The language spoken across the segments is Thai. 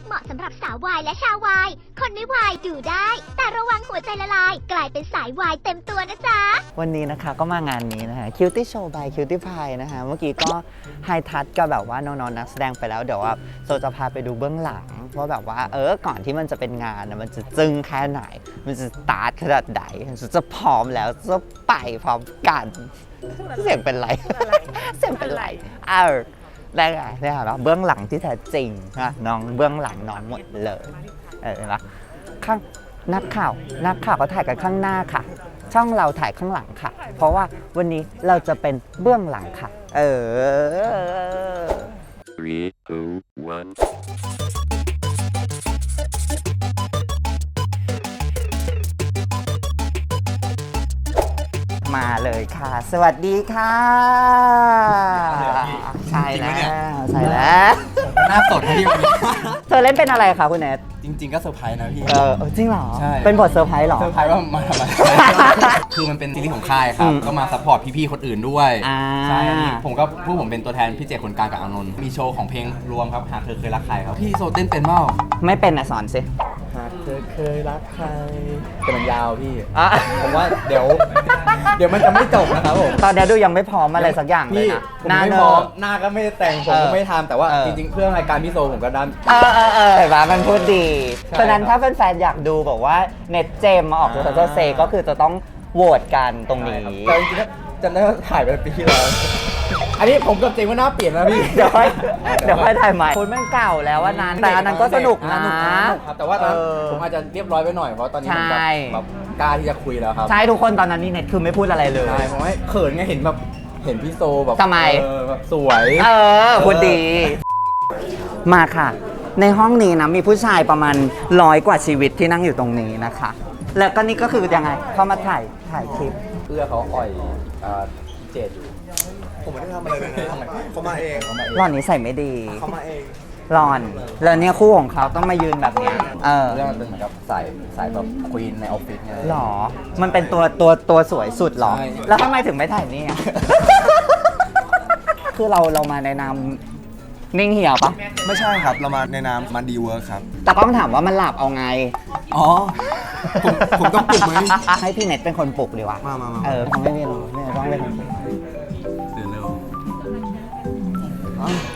เหมาะสำหรับสาววายและชาววายคนไม่วายดูได้ แต่ระวังหัวใจละลาย กลายเป็นสายวายเต็มตัวนะจ๊ะวันนี้นะคะก็มางานนี้นะคะ Cutie Show by Cutie Pie นะคะเมื่อกี้ก็ไฮทัชกับแบบว่าน้องๆนักแสดงไปแล้วเดี๋ยวว่าโซจะพาไปดูเบื้องหลังว่าแบบว่าก่อนที่มันจะเป็นงานนะมันจะจึ้งแค่ไหน มันจะสตาร์ทขนาดไหนจะพร้อมแล้วจะไปพร้อมกันเสียงเป็นไร เสียงเป็นไรได้ไงได้ค่ะเบื้องหลังที่แท้จริงนะน้องเบื้องหลังน้องหมดเลยเห็นปะข้างนักข่าวก็ถ่ายกันข้างหน้าค่ะ ช่องเราถ่ายข้างหลังค่ะ เพราะว่าวันนี้เราจะเป็นเบื้องหลังค่ะ 3, 2, 1. มาเลยค่ะ สวัสดีค่ะใช่แล้วใช่แล้วหน้าสดพี่เธอเล่นเป็นอะไรคะคุณเนทจริงๆก็เซอร์ไพรส์นะพี่จริงเหรอใช่เป็นบทเซอร์ไพรส์เหรอเซอร์ไพรส์ว่ามาทำอะไร คือมันเป็นซีรีส์ของค่ายครับ ก็มาซัพพอร์ตพี่ๆคนอื่นด้วย ใช่อันนี้ผมเป็นตัวแทนพี่เจคนกลางกับอานนท์มีโชว์ของเพลงรวมครับหากเธอเคยรักใครครับพี่โซเต้นเป็นเปล่าไม่เป็นนะสอนสิหากเธอเคยรักใครแต่มันยาวพี่อ่ะผมว่าเดี๋ยวมันจะไม่จบนะครับผมตอนนี้ดูยังไม่พร้อมอะไรสักอย่างเลยพี่นะผมหน้าไม่เนพร้ออะมหน้าก็ไม่ได้แต่งผมก็ไม่ทำแต่ว่าจริงๆเพื่อรายการพี่โซผมก็ดันเห็นปะมันพูดดีใช่ฉะนั้นครัถ้าบแฟนๆอยากดูบอกว่าเน็ตเจมมาออกตัวเซก็คือจะต้องโหวตกันตรงนี้แต่จริงๆก็จำได้ว่าถ่ายไปปีที่แล้ว อันนี้ผมกับเจงว่าหน้าเปลี่ยนแล้วพี่เดี๋ยวค่อยถ่ายใหม่คุณแม่งเก่าแล้วว่านั้นแต่อันนั้นก็สนุกนะสนุกครับแต่ว่าตอนนั้นผมอาจจะเรียบร้อยไปหน่อยเพราะตอนนี้ผมใช่แบบกล้าที่จะคุยแล้วครับใช่ทุกคนตอนนั้นนี่เน็ตคือไม่พูดอะไรเลยใช่ผมให้เขินไงเห็นแบบเห็นพี่โซแบบทำไมแบบสวยพูดดี มาค่ะ ในห้องนี้นะมีผู้ชายประมาณ100 กว่าชีวิตที่นั่งอยู่ตรงนี้นะคะ แล้วก็นี่ก็คือยังไงเข้ามาถ่ายคลิปเพื่อเขาอ่อยพี่เจดอยู่ผมไม่ได้ทำอะไรเลยนะเขามาเองหล่อนนี้ใส่ไม่ดีเขามาเองหล่อน แล้วเนี่ยคู่ของเขาต้องมายืนแบบเนี้ยเรื่องมันเป็นเหมือนกับสายแบบควีนในออฟฟิศไงหรอ มันเป็นตัวสวยสุดหรอใช่แล้วทำไมถึงไม่ถ่ายนี่อ่ะ คือเรามาในนามนิ่งเหี่ยวปะไม่ใช่ครับ เรามาในนามมันดีเวิร์คครับแต่ต้องถามว่ามันหลับเอาไงอ๋อ ผมต้องปลุกไหมให้พี่เน็ตเป็นคนปลุกดีวะมาเขาไม่เป็นไม่ต้องเป็นคนปลุกตื่นเร็วโอ้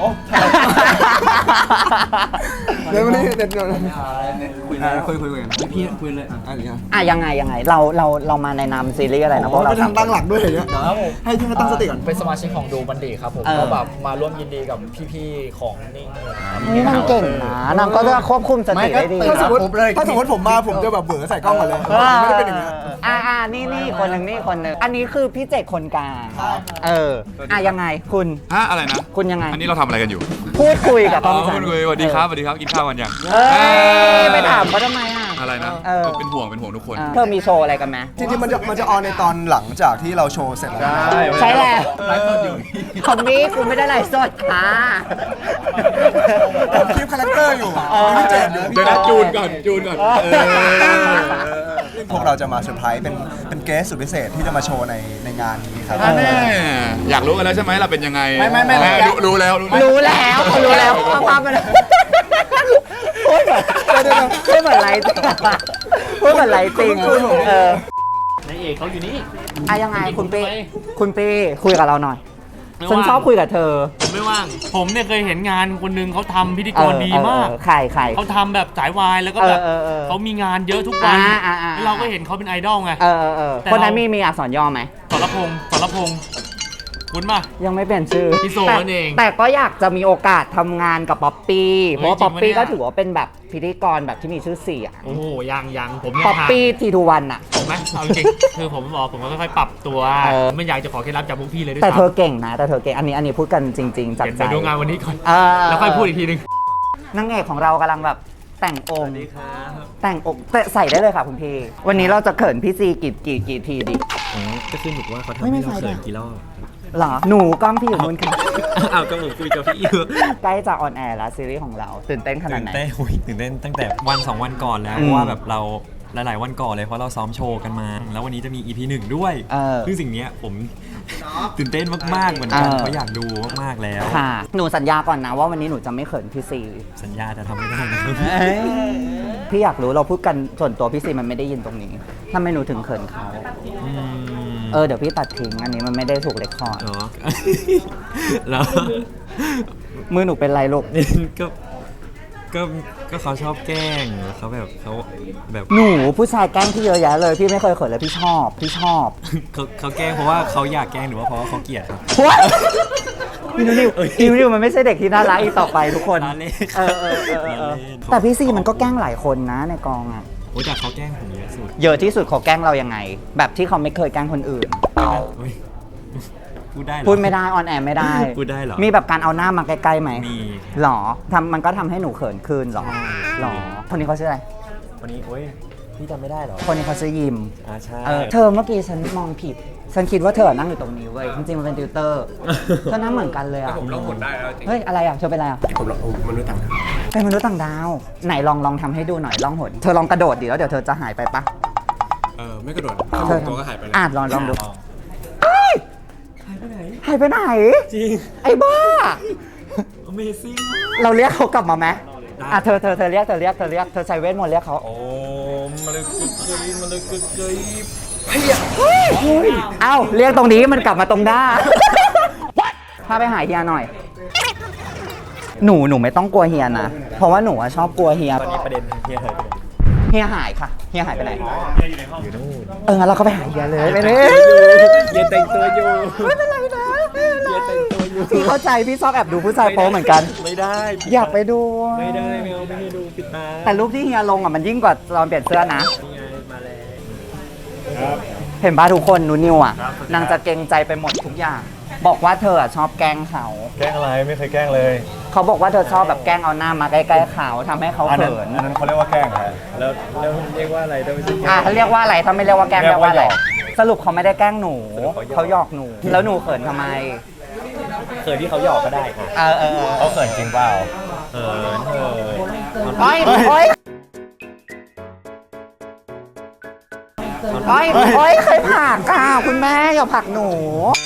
เดี๋ยววันนี้เด็ดเดี๋ยวคุยกันพี่คุยเลยอันนี้อ่ะยังไงเรามาในนามซีรีส์อะไรนะพวกเราไม่ทำตั้งหลักด้วยอย่างเงี้ยให้พี่ตั้งสติก่อนเป็นสมาชิกของดูมันดีครับผมก็แบบมาร่วมยินดีกับพี่ๆของนิ่งนี่นางเก่งนะนางก็จะควบคุมสติได้ดีถ้าสมมติผมเลยผมมาผมจะแบบเบื่อใส่กล้องก่อนเลยไม่ได้เป็นอย่างเงี้ยนี่คนหนึ่งอันนี้คือพี่เจตคนกลางยังไงคุณอะไรนะคุณยังไงอันนี้เราทำอะไรกันอยู่พูดคุยกับต้องคุณคุยสวัสดีครับ กินข้าวกันยังไปถามเขาทำไมอ่ะอะไรนะ เป็นห่วงทุกคนเธอมีโชว์อะไรกันไหมจริงๆมันจะออนในตอนหลังจากที่เราโชว์เสร็จแล้วใช่แหละไลฟ์สดอยู่ของนี้กูไม่ได้ไลฟ์สดค่ะผมคลิปคาแรคเตอร์อยู่มีพี่เจมส์อยู่เดี๋ยวนะจูนก่อนพวกเราจะมาเซอร์ไพรส์เป็นเกสสุดพิเศษที่จะมาโชว์ในงานนี้ครับอยากรู้กันแล้วใช่ไหมเราเป็นยังไงไม่รู้แล้วรู้แล้วภาพมันพูดเหมือนไรจริงพูดเหมือนไรจริงนายเอกเขาอยู่นี่ยังไงคุณปีคุยกับเราหน่อยฉันชอบคุยกับเธอผมไม่ว่าง ผมเนี่ยเคยเห็นงานคนหนึ่งเขาทำพิธีกรดีมากใครเขาทำแบบสายวายแล้วก็แบบเขามีงานเยอะทุกวันแล้วเราก็เห็นเขาเป็นไอดอลไงคนนั้นมีอักษรย่อไหมสรพงษ์คุณป่ะยังไม่เปลี่ยนชื่อพี่โซนั่นเองแต่ก็อยากจะมีโอกาสทำงานกับป๊อปปี้เพราะว่าจริป๊อง ปปี้ปะเนี่ยก็ถือว่าเป็นแบบพิธีกรแบบที่มีชื่อเสียงโอ้โหยังผมยังป๊อปปี้ทีทูวันอะผมไหมเอาจริงคือผมบอกผมก็ค่อยๆปรับตัวไม่อยากจะขอเคล็ดลับจากพวกพี่เลยด้วยแต่ซ้ำเธอเก่งนะอันนี้พูดกันจริง ๆจากเดี๋ยวใจไปดูงานวันนี้ก่อนเออแล้วค่อยพูดอีกทีนึงนางเอกของเรากำลังแบบแต่งองค์แต่งองค์ใส่ได้เลยค่ะคุณพี่ วันนี้เราจะเขินพี่ซีกี่ทีดิก็ขึ้นอยู่ว่าเขาทำไม่ให้ไฟเราเขินด้วยกี่รอบหรอหนูกล้องพี่อยู่นู่นค่ะอ้าวก็ผมคุยกับพี่อยู่ใกล้จะออนแอร์แล้วซีรีส์ของเราตื่นเต้นขนาดไหนตื่นเต้นตั้งแต่วัน2 วันก่อนแล้วอืมเพราะว่าแบบเราหลายๆวันก่อนเลยเพราะเราซ้อมโชว์กันมา แล้ววันนี้จะมี EP 1 ด้วย ซึ่งสิ่งเนี้ยผม ตื่นเต้นมากๆเหมือนกันเพราะอยากดูมากๆแล้วค่ะ หนูสัญญาก่อนนะว่าวันนี้หนูจะไม่เขินพี่ซีสัญญาจะทำไม่ได้นะครับพี่อยากรู้เราพูดกันส่วนตัวพี่ซีมันไม่ได้ยินตรงนี้ทำไมหนูถึงเขินเขา เดี๋ยวพี่ตัดทิ้งอันนี้มันไม่ได้ถูกเรคคอร์ดเหรอ แล้วมือหนูเป็นไรลูกก็เขาชอบแกล้งเขาแบบแบบหนูผู้ชายแกล้งพี่เยอะแยะเลยพี่ไม่เคยเขินเลยพี่ชอบเขาแกล้งเพราะว่าเขาอยากแกล้งหรือว่าเพราะว่าเขาเกลียดครับนิวมันไม่ใช่เด็กที่น่ารักอีกต่อไปทุกคนล้อเล่นแต่พี่ซีมันก็แกล้งหลายคนนะในกองอ่ะโอ้ยแต่เขาแกล้งผมเยอะสุดเยอะที่สุดเขาแกล้งเรายังไง แบบที่เขาไม่เคยแกล้งคนอื่นเฮ้ยพูดได้เหรอพูดไม่ได้ออนแอร์ไม่ได้พูดได้เหรอมีแบบการเอาหน้ามาใกล้ๆไหมมีหรอมันก็ทำให้หนูเขินขึ้นหรอใช่หรอคนนี้เขาชื่ออะไรวันนี้โอ้ยพี่จำไม่ได้เหรอคนนี้เขาชื่อยิมใช่เธอเมื่อกี้ฉันมองผิด ฉันคิดว่าเธอนั่งอยู่ตรงนี้เว้ย จริงๆมันเป็นติวเตอร์เธอนั่งเหมือนกันเลยอ่ะผมร้องหมดได้แล้วจริงเฮ้ย อะไรอ่ะ เธอเป็นอะไรอ่ะผมร้องมนุษย์ต่างดาวเป็นมนุษย์ต่างดาว ไหนลองทำให้ดูหน่อยลองหน เธอลองกระโดดดิแล้วเดี๋ยวเธอจะหายไปปะไม่กระโดดเธอตัวก็หายไปเลยลองดูหายไปไหนจริงไอ้บ้า Amazing เราเรียกเขากลับมาไหมเธอเรียกเธอใช้เวทมนต์เรียกเขาโอ้มาเลยกึกเกยเอ้าเรียกตรงนี้มันกลับมาตรงหน้า พาไปหาเฮียหน่อย หนูไม่ต้องกลัวเฮียนะ เพราะว่าหนูอะชอบกลัวเฮียตอนนี้ประเด็นเฮียหายไปไหนเฮียหายค่ะ เฮียหายไปไหนอยู่นู่นงั้นเราก็ไปหาเฮียเลยไปเลยเฮียแต่งตัวอยู่ไม่เป็นไรนะเฮียแต่งตัวอยู่พี่เข้าใจพี่ชอบแอบดูผู้ชายโป๊เหมือนกันไม่ได้อยากไปดูไม่ได้ไม่เอาไม่ให้ดูปิดตาแต่รูปที่เฮียลงอ่ะมันยิ่งกว่าตอนเปลี่ยนเสื้อนะนี่ไงมาแล้วเห็นป่ะทุกคนนิวอ่ะนางจะเกรงใจไปหมดทุกอย่าง บอกว่าเธออะชอบแกล้งเขาแกล้งอะไรไม่เคยแกล้งเลยเขาบอกว่าเธอชอบแบบแกล้งเอาหน้ามาใกล้ๆเขาทำให้เขาอันนั้นเขินอันนั้นเขาเรียกว่าแกล้งฮะแล้วเรียกว่าอะไรต้องไม่ใช่ถ้าเรียกว่าอะไรถ้าไม่เรียกว่าแกล้งเรีเรียยกกว่าอะไรว่าหยอกสรุปเขาไม่ได้แกล้งหนูเขาหยอกเขาหยอกหนู แล้วหนูเขินทำไมเคยที่เขาหยอกก็ได้ค่ะเขาเขินจริงเปล่าเออโอ๊ยโอ๊ยโอ๊ยใครผลักอ่ะคุณแม่อย่าผลักหนู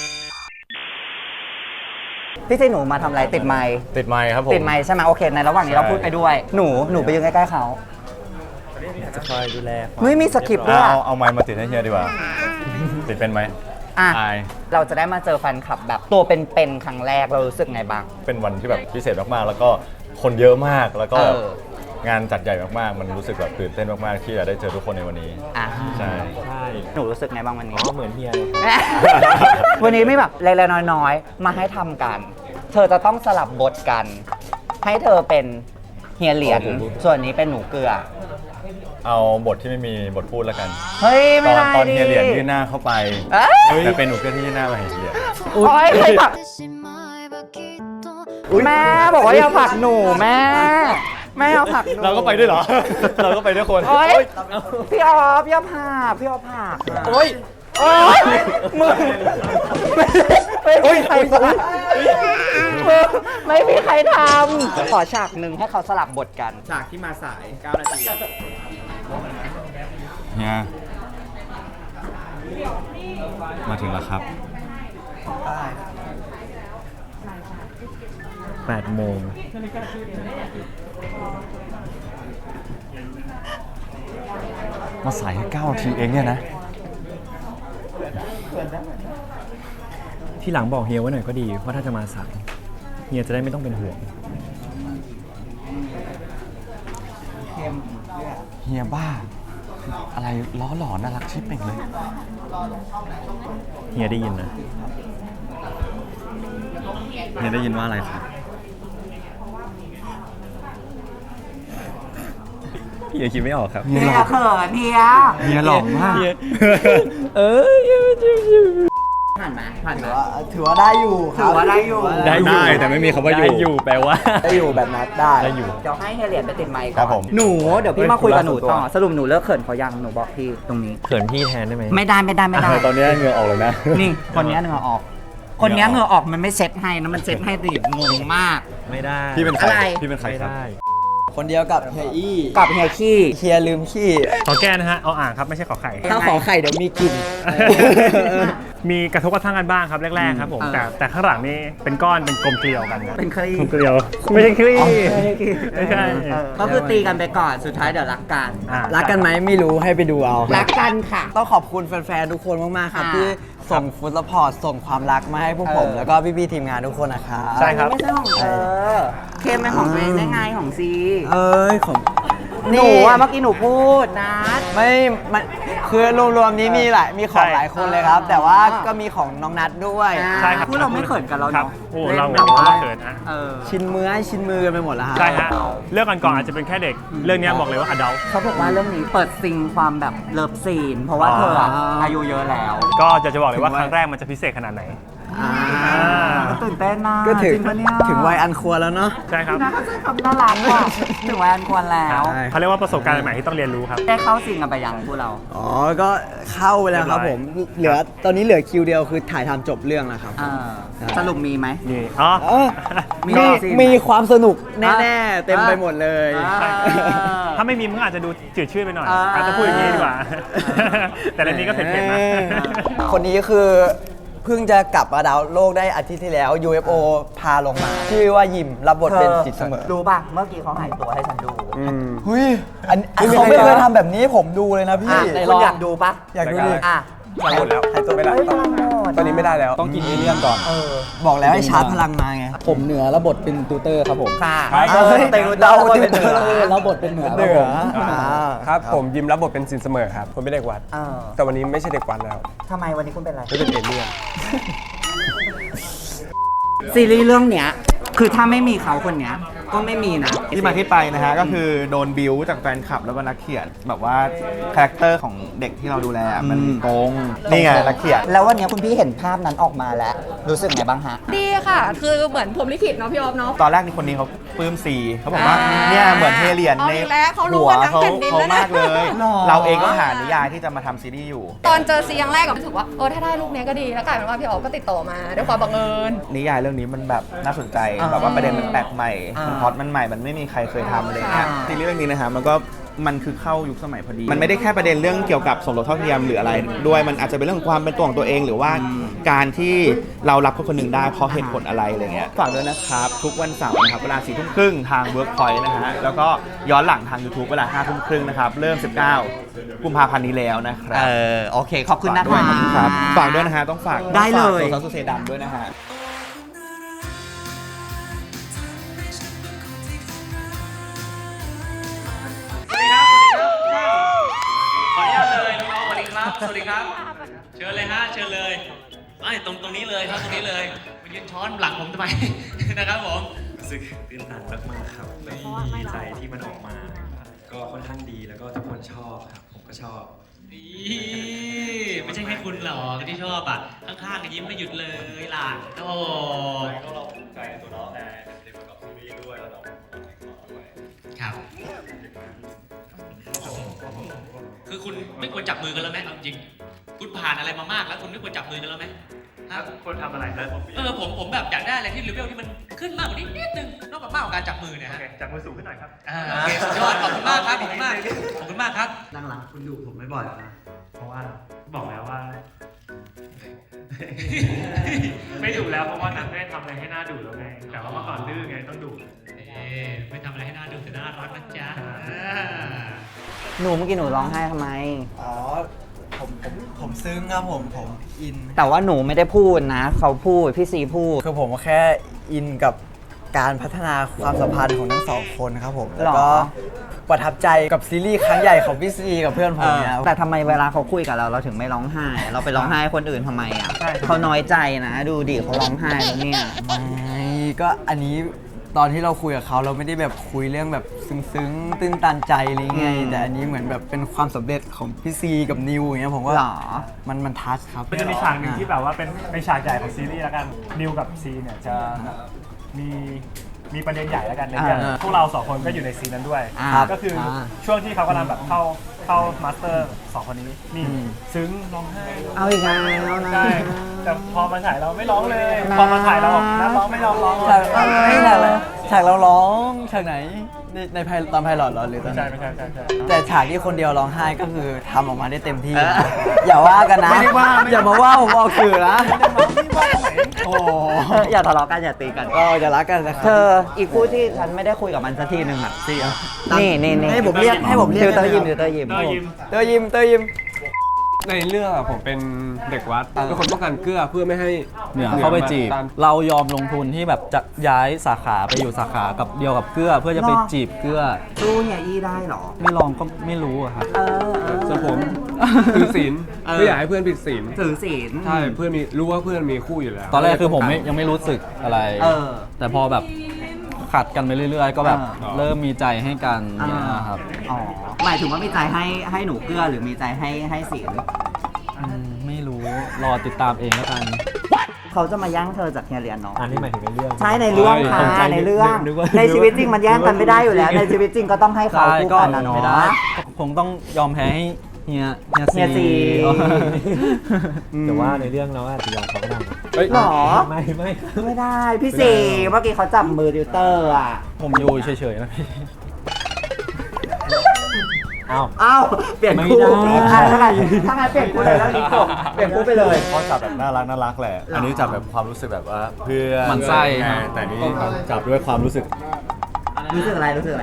พี่ซีหนูมาทำอะไรติดไมค์ติดไมค์ครับผมติดไมค์ใช่ไหมโอเคในระหว่างนี้เราพูดไปด้วยหนูไปยืนใกล้ๆเขาจะคอยดูแลไม่มีสคริปต์ด้วยอะเอาไมค์มาติดให้เฮียดีกว่า ติดเป็นไหมอ่ะอายเราจะได้มาเจอแฟนคลับแบบตัวเป็นๆครั้งแรกเรารู้สึกไงบ้างเป็นวันที่แบบพิเศษมากๆ แล้วก็คนเยอะมาก แล้วก็ งานจัดใหญ่มากๆ มันรู้สึกแบบตื่นเต้นมากๆ ที่จะได้เจอทุกคนในวันนี้อ่ะใช่ใช่หนูรู้สึกไงบ้างวันอ๋นี้อเหมือนเฮียเลยวันนี้ไม่แบบเล็กๆน้อยๆมาให้ทำกัน เธอจะต้องสลับบทกัน ให้เธอเป็นเฮียเหรียญส่วนนี้เป็นหนูเกลือเอาบทที่ไม่มีบทพูดแล้วกันเฮ้ยไม่ได้ตอนดิเฮียเหรียญยื่นหน้าเข้าไปเอ้ยแต่เป็นหนูเพื่อนที่ยื่นหน้ามาให้เฮียโอ๊ยใครผลักแม่บอกว่าอย่าผลักหนูแม่เอาผลักหนูเราก็ไปด้วยเหรอ เราก็ไปด้วยคนโอ๊ยพี่ออฟอย่าผลักพี่ออฟผลักอะโอ๊ยโอ๊ยมึงไม่มีใครทำไม่มีใครทำขอฉากหนึ่งให้เขาสลับบทกันฉากที่มาสาย9 นาทีเฮียมาถึงแล้วครับ 8 โมงมาสายแค่9 นาทีเองเนี่ยนะที่หลังบอกเฮียไว้หน่อยก็ดีว่าถ้าจะมาสายเฮียจะได้ไม่ต้องเป็นห่วงเฮียบ้า อะไรล้อหลอนน่ารักชิบเป่งเลยเฮียได้ยินนะเฮียได้ยินว่าอะไรครับเฮียคิดไม่ออกครับเฮียเขินเฮียเฮียหล่อมากผ่านไหมผ่านไหมถือว่าได้อยู่คถืรัอบ ว่าได้อยู่ได้แต่ไม่มีคำว่าอยู่ได้อยู่แปลว่าได้อยู่แบบนัดได้ได้อยู่เดี๋ยวให้เฮียเหรียญไปติดไมค์ก่ครัอบผนมหนูเดี๋ยวพี่มาคุยกับหนูต่อคุยกับสรุปหนูเลิกเขินเขายังหนูบอกพี่ตรงนี้เขินพี่แทนได้ไหมไม่ได้ตอนนี้เหงื่อออกเลยนะนี่คนนี้เหงื่อออก คนนี้เหงื่อออกมันไม่เซ็ตให้นะมันเซ็ตให้ดิงงมากไม่ได้พี่เป็นใครอะไรพี่เป็นใครไม่ครับได้คนเดียวกับเฮียอี้กับเฮียขี้เฮียลืมขี้ขอแก้นะฮะ เอาอ่างครับ ไม่ใช่ขอไข่ถ้าขอไข่เดี๋ยวมีกลิ่นมีกระทบกระทั่งกันบ้างครับแรกๆครับผม แต่ข้างหลังนี่เป็นก้อนเป็นกลมเกลียวกันนะเป็นคลี่กลมเกลียว ไม่ใช่คลี่ ไม่ใช่ก็คือตีกันไปก่อนสุดท้ายเดี๋ยวรักกันรักกันไหมไม่รู้ให้ไปดูเอารักกันค่ะต้องขอบคุณแฟนๆทุกคนมากๆครับค่ะที่ส่งฟุตซัพพอร์ตส่งความรักมาให้พวกผม แล้วก็พี่ๆทีมงานทุกคนนะครับใช่ครับไม่ใช่ของเธอเคมเป็นของตัวเองได้ไงของซีเอ้ยของหนูอะเมื่อกี้หนูพูดนะไม่มันคือรวมๆนี้มีของหลายคนเลยครับ แต่ว่าก็มีของน้องนัทด้วยใช่ครับพูดเราไม่เขินกันแล้วครับเนาะโอ้เราล่นแบบว่าไม่เขินฮะชินมือให้ชินมือกันไปหมดแล้วฮะใช่ฮะ เรื่องก่อนๆอาจจะเป็นแค่เด็ก เรื่องนี้บอกเลยว่าอดัลเขาบอกว่าเรื่องนี้เปิดซิงความแบบเลิฟซีน เพราะว่าเธออะอายุเยอะแล้วก็จะบอกเลยว่าครั้งแรกมันจะพิเศษขนาดไหนตื่นเต้นมากก็ถึงจริปะเนี่ยถึงวัยอันควรแล้วเนาะใช่ครับนะก็ใช้คำน่ารักว่ะถึงวัยอันควรแล้วใช่เขาเรียกว่าประสบการณ์ใหม่ที่ต้องเรียนรู้ครับได้เข้าซิงกันไปยังพวกเราอ๋อ ก็เข้าไปแล้วครับผม ตอนนี้เหลือคิวเดียวคือถ่ายทำจบเรื่องแล้วครับสรุปมีไหมนี่อ๋อมีมีซีนมีความสนุกแน่ๆ เต็มไปหมดเลยถ้าไม่มีมึงอาจจะดูจืดชืดไปหน่อยอ่าอาจจะพูดอย่างนี้ดีกว่า แต่เรื่องนี้ก็เผ็ดๆนะคนนี้คือเพิ่งจะกลับมาดาวโลกได้อาทิตย์ที่แล้ว UFO พาลงมา ชื่อว่ายิมรับบทเป็นจิตเสมอรู้ป่ะ เมื่อกี้เขาหายตัวให้ฉันดูหุยเขาไม่เคยทำแบบนี้ให้ผมดูเลยนะพี่คุณอยากดูป่ะอยากดูดิอ่ะหมดแล้วหายตัวไม่ได้ตอนนี้ไม่ได้แล้ว ต้องกินเอเลี่ยนก่อนบอกแล้วให้ชาร์จพลังมาไง ผมเหนือรับบทเป็นตูเตอร์ครับผมค่ะเราเป็นเหนือรับบทเป็นเหนือเหนือครับผมยิมรับบทเป็นซินเสมอครับผมเป็นเด็กวัด แต่วันนี้ไม่ใช่เด็กวัดแล้วทำไมวันนี้คุณเป็นอะไรไม่เป็นเอเลี่ยนซีรีส์เรื่องเนี้ย คือถ้าไม่มีเขาคนเนี้ย ก็ไม่มีนะที่มาที่ไปนะฮะก็คือโดนบิวจากแฟนคลับแล้วก็นักเขียนแบบว่าคาแรคเตอร์ของเด็กที่เราดูแลมันตรงนี่ไงนักเขียนแล้ววันนี้คุณพี่เห็นภาพนั้นออกมาแล้ว รู้สึกไงบ้างฮะดีค่ะ คือเหมือนผมลิขิตเนาะพี่ออฟเนาะตอนแรกนี่คนนี้เขาปลื้มซีเขาบอกว่าเนี่ยเหมือนเทเลียนในเอาอีกแล้วเขารู้หัวว่าทั้งเขาแผ่นดินเขาแล้วนะมากเลยหรอเราเองก็หานิยายที่จะมาทำซีรีส์อยู่ตอนเจอซีครั้งแรกก็รู้สึกว่าถ้าได้ลูกเนี้ยก็ดี แล้วกลายเป็นว่าพี่ออฟก็ติดต่อมาด้วยความบังเอิญนิยายเรื่องนี้มันแบบน่าสนใจแบบว่าประเด็นมันแปลกใหม่มันพล็อตมันใหม่มันไม่มีใครเคยทำอะไรเงี้ยซีรีส์เรื่องนี้นะฮะมันคือเข้ายุคสมัยพอดี มันไม่ได้แค่ประเด็นเรื่องเกี่ยวกับสมรสเท่าเทียมหรืออะไรด้วยมันอาจจะเป็นเรื่องของความเป็นตัวของตัวเอง หรือว่าการที่เรารับคนคนหนึ่งได้เพราะเหตุผลอะไรอะไรเงี้ยฝากด้วยนะครับ ทุกวันเสาร์นะครับเวลา4 ทุ่มครึ่งทาง Workpoint นะฮะแล้วก็ย้อนหลังทาง YouTube เวลา5 ทุ่มครึ่งนะครับเริ่ม 19 กุมภาพันธ์นี้แล้วนะครับโอเค ขอบคุณนะฝากด้วยครับฝากด้วยนะฮะต้องฝากได้เลยฝากตัวซาสุเซดำด้วยนะฮะขออนุญาตเลยน้องๆสวัสดีครับ สวัสดีครับ เชิญเลยฮะ เชิญเลยไม่ตรงนี้เลยครับตรงนี้เลยมายืนช้อนหลังผมทำไม นะครับผมรู้สึกตื่นตันมากๆครับดีใจที่มันออกมา ก็ค่อนข้างดีแล้วก็ทุกคนชอบครับ ผมก็ชอบไม่ใช่แค่คุณหรอกที่ชอบอ่ะ ข้างๆก็ยิ้มไม่หยุดเลยล่ะโอ้ก็เราภูมิใจในตัวน้องไงเป็นประกอบซีรีส์ด้วยแล้วน้องด้วยครับ คือคุณไม่ควรจับมือกันแล้วไหมเอาจริง คุณผ่านอะไรมามากแล้วคุณไม่ควรจับมือกันแล้วไหมครับคนทำอะไรนะผมแบบอยากได้อะไรที่เลเวลที่มันขึ้นมากกว่านี้นิดนึงนอกจากมากกว่าการจับมือเนี่ยฮะจับมือสูงขึ้นหน่อยครับโอเคสุดยอดขอบคุณมากครับขอบคุณมากขอบคุณมากครับหลังๆคุณดูผมไม่บ่อยนะเพราะว่าบอกแล้วว่า ไม่ดุแล้วเพราะว่านัทไม่ได้ทำอะไรให้หน้าดุแล้วไงแต่ว่าเมื่อก่อนดื้อไงต้องดุไม่ทำอะไรให้น่าดูแต่น่ารักนะจ๊ะหนูเมื่อกี้หนูร้องไห้ทำไมอ๋อ ผมซึ้งครับผมอินแต่ว่าหนูไม่ได้พูดนะ เขาพูด พี่ซีพูดคือผมแค่อินกับการพัฒนาความสัมพันธ์ของทั้งสองคนครับผม แล้วก็หรอประทับใจกับซีรีส์ครั้งใหญ่ของพี่ซีกับเพื่อนผมเนี่ยแต่ทำไมเวลาเขาคุยกับเราเราถึงไม่ร้องไห้ เราไปร้องไห้ให้คนอื่นทำไมอ่ะเขาน้อยใจนะ ดูดิเขาร้องไห้แล้วเนี่ยไม่ก็อันนี้ตอนที่เราคุยกับเขาเราไม่ได้แบบคุยเรื่องแบบซึ้งๆตื้นตันใจอะไรเงี้ยแต่อันนี้เหมือนแบบเป็นความสำเร็จของพี่ซีกับนิวอย่างเงี้ยผมว่าหรอมันทัชครับมันจะมีฉากหนึ่งที่แบบว่าเป็นฉากใหญ่ของซีรีส์แล้วกันนิวกับซีเนี่ยจะแบบมีประเด็นใหญ่แล้วกันในเรื่องพวกเราสองคนก็อยู่ในซีนนั้นด้วย ก็คือช่วงที่เขากำลังแบบเข้ามาสเตอร์สองคนนี้นี่ซึ้งร้องไห้เอาอีกแล้วนะใช่แต่พอมาถ่ายเราไม่ร้องเลย พอมาถ่ายเราบอกนักร้องไม่ร้องฉากไม่ฉากอะไรฉากเราร้องฉากไหนตอนไพลอตเหรอหรือตอนไม่ใช่แต่ฉากที่คนเดียวร้องไห้ก็คือทำออกมาได้เต็มที่นะอย่าว่ากันนะไม่ได้ว่าอย่ามาว่าผมออกสื่อนะโอ้อย่าทะเลาะกันอย่าตีกันก็อย่ารักกันนะครัเธออีกคู่ที่ฉันไม่ได้คุยกับมันสักทีหนึ่งอ่ะนี่ให้ผมเรียกติวเตอร์ยิมเตอร์ยิมในเรื่องอะผมเป็นเด็กวัดเป็นคนป้องกันเกลือเพื่อไม่ให้เหนือเข้าไปจีบตามเรายอมลงทุนที่แบบจะย้ายสาขาไปอยู่สาขากับเดียวกับเกลือเพื่อจะไปจีบเกลือสู้เฮียอี้ได้เหรอไม่ลองก็ไม่รู้อะครับส่วนผมถือศีลไม่อยากให้เพื่อนผิดศีลถือศีลใช่เพื่อนรู้ว่าเพื่อนมีคู่อยู่แล้วตอนแรกคือผมยังไม่รู้สึกอะไร แต่พอแบบขัดกันไปเรื่อยๆ ก็แบบเริ่มมีใจให้กันเนี่ยครับอ๋อหมายถึงว่ามีใจให้หนูเกลือหรือมีใจให้ศีลไม่รู้รอติดตามเองแล้วกันเขาจะมาแย่งเธอจากเฮียเรียนเนาะอันนี้หมายถึงในเรื่องใช่ในเรื่องค่ะในเรื่องในชีวิตจริงมันแย่งกันไม่ได้อยู่แล้ว ในชีวิตจริงก็ต้องให้เขาคู่กันนะเนาะไม่ได้คงต้องยอมแพ้ให้เฮียซีแต่ว่าในเรื่องเราอาจจะยอมเขาก็ได้นะหรอไม่ได้พี่สีเมื่อกี้เขาจับมือติวเตอร์อ่ะผมอยู่เฉยๆนะพี่อ้าวเปลี่ยนคู่ถ้างั้นเปลี่ยนคู่เลยแล้วนี่จบเปลี่ยนคู่ไปเลยเขาจับแบบน่ารักแหละ อันนี้จับแบบความรู้สึกแบบว่าเพื่อนหมั่นไส้ไงแต่นี่จับด้วยความรู้สึกอะไรรู้สึก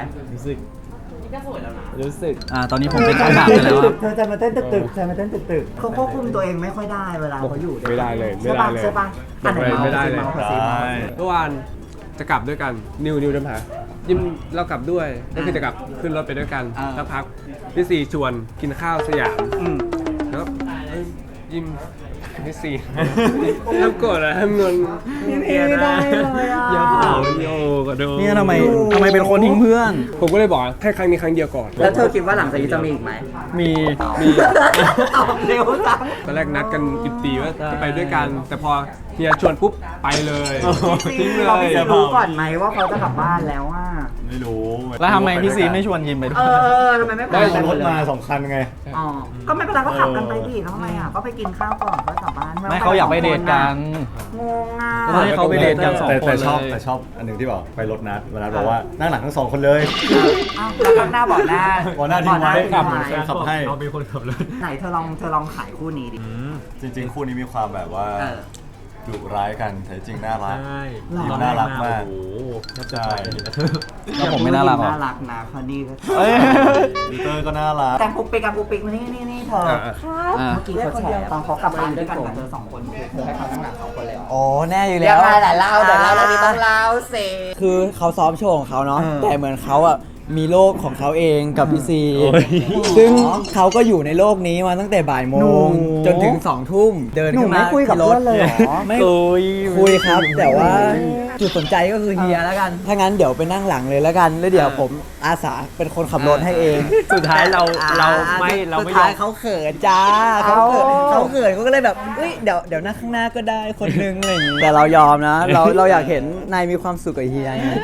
ตอนนี้ผมเป็นขนาดไปแล้วครับเธอจะมาเต้นตึกเขาควบคุมตัวเองไม่ค่อยได้เวลาเขาอยู่ไม่ได้เลยใช่ปะอันไหนไม่ได้เลยเมาส์เมื่อวานจะกลับด้วยกันนิวเดินหายิมเรากลับด้วยก็คือจะกลับขึ้นรถไปด้วยกันแล้วพักพี่ซีชวนกินข้าวสยามแล้วยิมพี่ซีแล้วกดอะทำเงินไม่ได้เลยอ่ะอย่าเผาโยกระโดดเนี่ยทำไมเป็นคนทิ้งเพื่อนผมก็เลยบอกแค่ครั้งนี้ครั้งเดียวก่อนแล้วเธอคิดว่าหลังจากนี้จะมีอีกไหมมีตอบเร็วจังตอนแรกนัดกันอิบตีว่าจะไปด้วยกัน แต่พอเฮียชวนปุ๊บไปเลยทิ้งเลเรายไม่รู้ก่อนไหมว่าเขาจะกลับบ้านแล้วอ่ะไม่รู้แล้วทำไมพี่ซีไม่ชวนยิมไปด้วยทำไมไม่ไปได้รถมา2 คันไงอ๋อก็ไม่เป็นไรก็ขับกันไปดิแล้วทำไมอ่ะก็ไปกินข้าวก่อนก็กลับบ้านไม่เขาอยากไปเดทกันงงอ่ะก็ให้เขาไปเดทกัน2 คนเลยแต่ชอบอันหนึ่งที่บอกไปรถนัดวันนั้นบอกว่านั่งหลังทั้ง2 คนเลยแล้วข้างหน้าบอกหน้าบอกหน้าทิ้งไว้ขับขับให้เราเป็นคนขับรถไหนเธอลองขายคู่นี้ดิจริงๆ คู่นี้มีความแบบว่าดุร้ายกันแต่จริงน่ารักใช่ยิมน่ารักมากโอ้โหใช่แล้วผมไม่น่ารักหรอน่ารักนะเขานี่ปีเตอร์ก็น่ารักแต่งปุ๊กปิ๊กนี่เธอเมื่อกี้เขาแฉตอนเขากลับบ้านด้วยกันกับเธอ2 คนคือเธอให้เขาทั้งหลัง2 คนเลยโอ้แน่อยู่เรีแล้ยว กมาแต่เล่าแล้วนี่ต้องเล่าสิคือเขาซ้อมโชว์ของเขาเนาะแต่เหมือนเขาอะมีโลกของเขาเองกับพี่ซีซึ่งเขาก็อยู่ในโลกนี้มาตั้งแต่บ่ายโมงจนถึง2 ทุ่มเดินหนูขึ้นไม่มาคุยกับที่รเพื่ถอนเลยเหรอไม่คุยครับ แต่ว่าจุดสนใจก็คือเฮียแล้วกัน ถ้างั้นเดี๋ยวไปนั่งหลังเลยแล้วกัน แล้วเดี๋ยวผมอาสาเป็นคนขับรถให้เองสุดท้ายเราไม่สุดยท้าอย มเขาเขินจ้าเขาเขินเขาก็เลยแบบเฮ้ยเดี๋ยวนั่งข้างหน้าก็ได้คนนึงอะไรอย่างงี้แต่เรายอมนะ เราอยากเห็นนายมีความสุขกับเฮียไง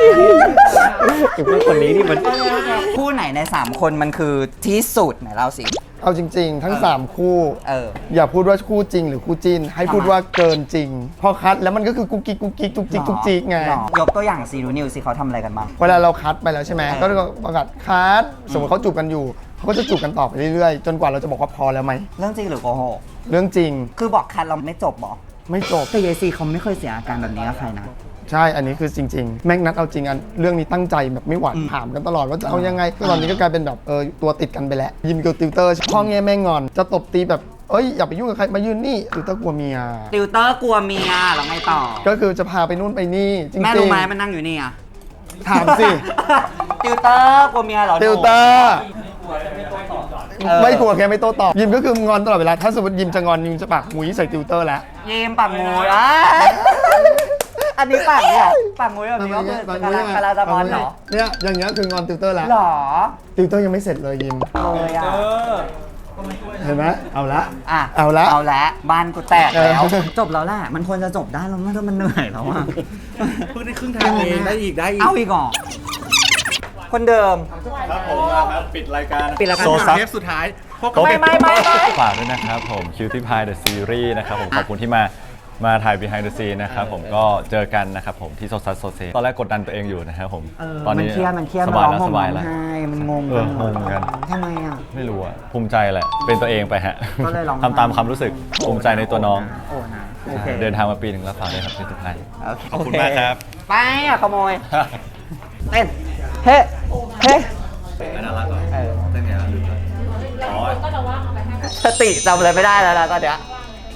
คนนี้นี่มันคู่ไหนใน3 คนมันคือที่สุดไหนเล่าสิเอาจริงๆ ทั้ง 3 คู่อย่าพูดว่าคู่จริงหรือคู่จิ้น ให้พูดว่าเกินจริง พอคัดแล้วมันก็คือกุ๊กกิ๊กกุ๊กกิ๊กจุกจิกจุกจิกไงยกตัวอย่างซีนูนิวสิเขาทำอะไรกันบ้างเวลาเราคัดไปแล้วใช่ไหมก็ประกาศคัดสมมติเขาจูบกันอยู่เขาก็จะจูบกันต่อไปเรื่อยๆ จนกว่าเราจะบอกว่าพอแล้วไหมเรื่องจริงหรือโกหกเรื่องจริงคือบอกคัดเราไม่จบบอกไม่จบแต่ยายซีเขาไม่เคยเสียอาการแบบนี้กับใครนะใช่ อันนี้คือจริงๆ แม่งนัดเอาจริงอันเรื่องนี้ตั้งใจแบบไม่หวั่นถามกันตลอดว่าจะเอายังไงก็ตอนนี้ก็กลายเป็นแบบตัวติดกันไปแล้วยิมกับติวเตอร์พ่อแง่แม่งอนจะตบตีแบบอย่าไปยุ่งกับใครมายืนนี่ติวเตอร์กลัวเมียติวเตอร์กลัวเมียแล้วไงต่อก็คือจะพาไปนู่นไปนี่จริงๆแม่รู้ไหมมันนั่งอยู่นี่อ่ะถามสิติวเตอร์กลัวเมียเหรอติวเตอร์ไม่กลัวแค่ไม่โต้ตอบยิมก็คืองอนตลอดเวลาถ้าสมมติยิมจะงอนยิมจะปากมุ้ยใส่ติวเตอร์แล้วยิ้มปากงูอันนี้ปากเนี่ยปากงูแบบนี้ก็คือกาลาตะบอลเหรอเนี่ยอย่างเงี้ยคืองอนติวเตอร์แล้วหรอติวเตอร์ยังไม่เสร็จเลยยิมเลยอ่ะเห็นไหมเอาละเอาละบ้านกูแตกแล้วจบแล้วแหละมันควรจะจบได้แล้วมันเหนื่อยแล้วอ่ะเพิ่งได้ครึ่งทางเองได้อีกเอาอีกเหรอคนเดิมครับผมครับปิดรายการโซซัสเทปสุดท้ายไม่ฝากด้วยนะครับผม Cutie Pie The Series นะครับผมขอบคุณที่มามาถ่าย behind the scene นะครับผมก็เจอกันนะครับผมที่โซซัสโซเซตอนแรกกดดันตัวเองอยู่นะครับผมตอนนี้มันเครียดมันสร้บายองแล้วห่สมบายร้แล้วองไห้มันงงงงเหมือนกันทำไมอ่ะไม่รู้อะภูมิใจแหละ เป็นตัวเองไปฮะก็เลยร้องไห้ทำตามความรู้สึกภูมิใจในตัวน้องโอ้นะโอเคเดินทางมาปีหนึ่งแล้วฝากด้วยครับที่ทุกท่านโเคขอบคุณมากครับไปอ่ะขโมย เต้น เฮ้เฮ้ไปน่ารักก่อนเต้นไงล่ะลืมแล้วอ๋อสติจำอะไรไม่ได้แล้วนะตอนเนี้ย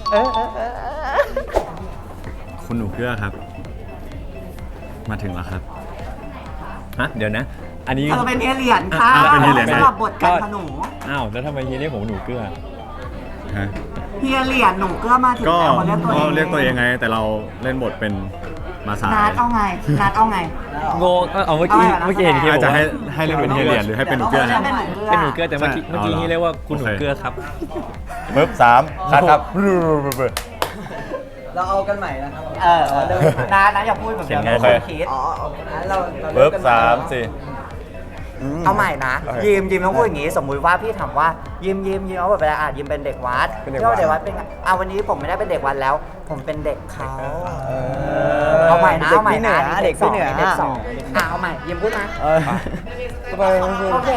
คุณหนูเกื้อครับ มาถึงแล้วครับฮะเดี๋ยวนะ อันนี้เธอเป็นเฮียเหรียญค่ะเป็นเฮียเหรียญสำหรับบทการขนูอ้าวแล้วทำไมเฮียเรียกผมว่าหนูเกื้อฮะเฮียเหรียญหนูเกื้อมาถึงก็แล้วมาเรียกตัวเองเรียกตัวเองไง แต่เราเล่นบทเป็นมาสายนัดเอาไงนัดเอาไงโงเอาเมื่อกี้เห็นเฮียอาจบอกจะว่าให้เรียกเป็นเฮียเหรียญหรือให้เป็นหนูเกื้อเป็นหนูเกื้อแต่เมื่อกี้เฮียเรียกว่าคุณหนูเกื้อครับปึ๊บ3คัดครับเราเอากันใหม่นะครับเริ่มนะอย่าพูดแบบเดิมโอเคคิดอ๋อเราปึ๊บ3 4 เอาใหม่นะ ยิมต้องพูดอย่างงี้ สมมุติว่าพี่ถามว่ายิมเอาแบบเวลายิมเป็นเด็กวัดเป็นเด็กวัดเด็กวัดเป็นไงวันนี้ผมไม่ได้เป็นเด็กวัดแล้ว ผมเป็นเด็กเขาเอาใหม่นะเอาใหม่นะเด็กพี่เหนือเด็กสองเอาใหม่ยิมพูดนะโอเค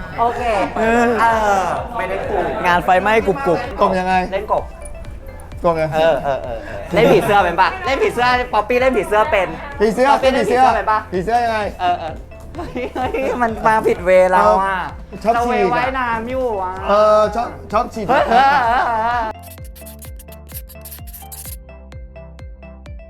ไม่ได้ถูกงานไฟไหม้กรุบกบยังไงเล่นกบกบยังไงเล่นผีเสื้อเป็นปะเล่นผีเสื้อป๊อปปี้เล่นผีเสื้อเป็นผีเสื้อป๊อปปี้เป็นเล่ผีนผีเสื้อเสื้อเป็นปะผีเสื้อยังไงเฮ้ยมันมาผิดเวเราอ่ะชอบเราฉีเวกอะไว้น้ำอยู่อ่ะชอบฉีดเฮ้ย